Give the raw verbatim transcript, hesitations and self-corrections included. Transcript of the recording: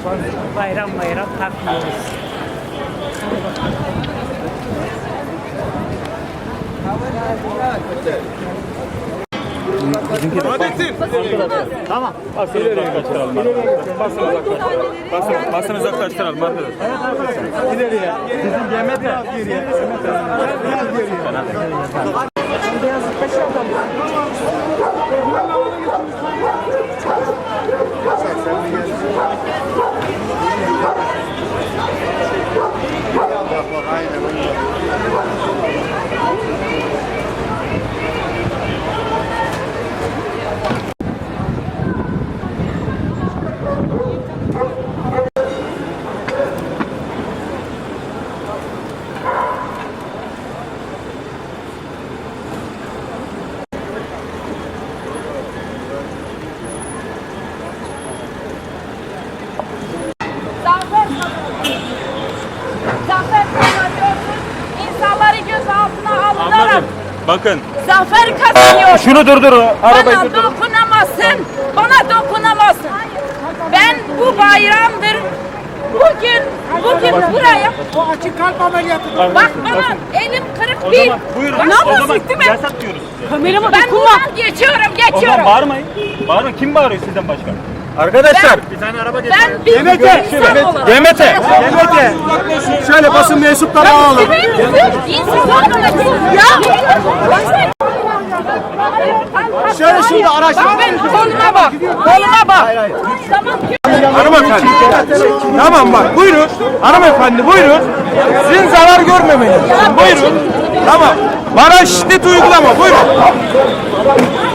bayram bayram takmıyoruz. Tamam. Basın uzaklaştıralım. Basın uzaklaştıralım. Basın, basın uzaklaştıralım arkadaşlar. Evet arkadaşlar. İleriye. Bizim yemek biraz geriye. Biraz geriye. Zafer kazanıyorsun. İnsanları gözaltına alınarak Anladım. Bakın. zafer kazanıyor. Şunu durdurun. Arabayı Bana durdurun. dokunamazsın. Bana dokunamazsın. Ben bu bayramdır. Bugün, bugün buraya. O açık kalp ameliyatı. Bak bana elim kırık O değil. zaman buyurun. Ne O zaman yapıyorsun değil mi? yasak diyoruz size. Kamerama ben buradan geçiyorum, O zaman geçiyorum. bağırmayın. Bağırmayın. Kim bağırıyor sizden başka? Arkadaşlar. Ben- Bir tane araba Ben bir Demet'e. insan olarak. Demet'e. Demet'e. Şöyle basın mensupları alalım. Şöyle şurada araç. Bak ben koluma bak. Koluma bak. Tamam. Hanımefendi. Tamam bak buyurun. Hanımefendi buyurun. Sizin zarar görmemeniz. Buyurun. Tamam. Bana şiddet uygulama buyurun.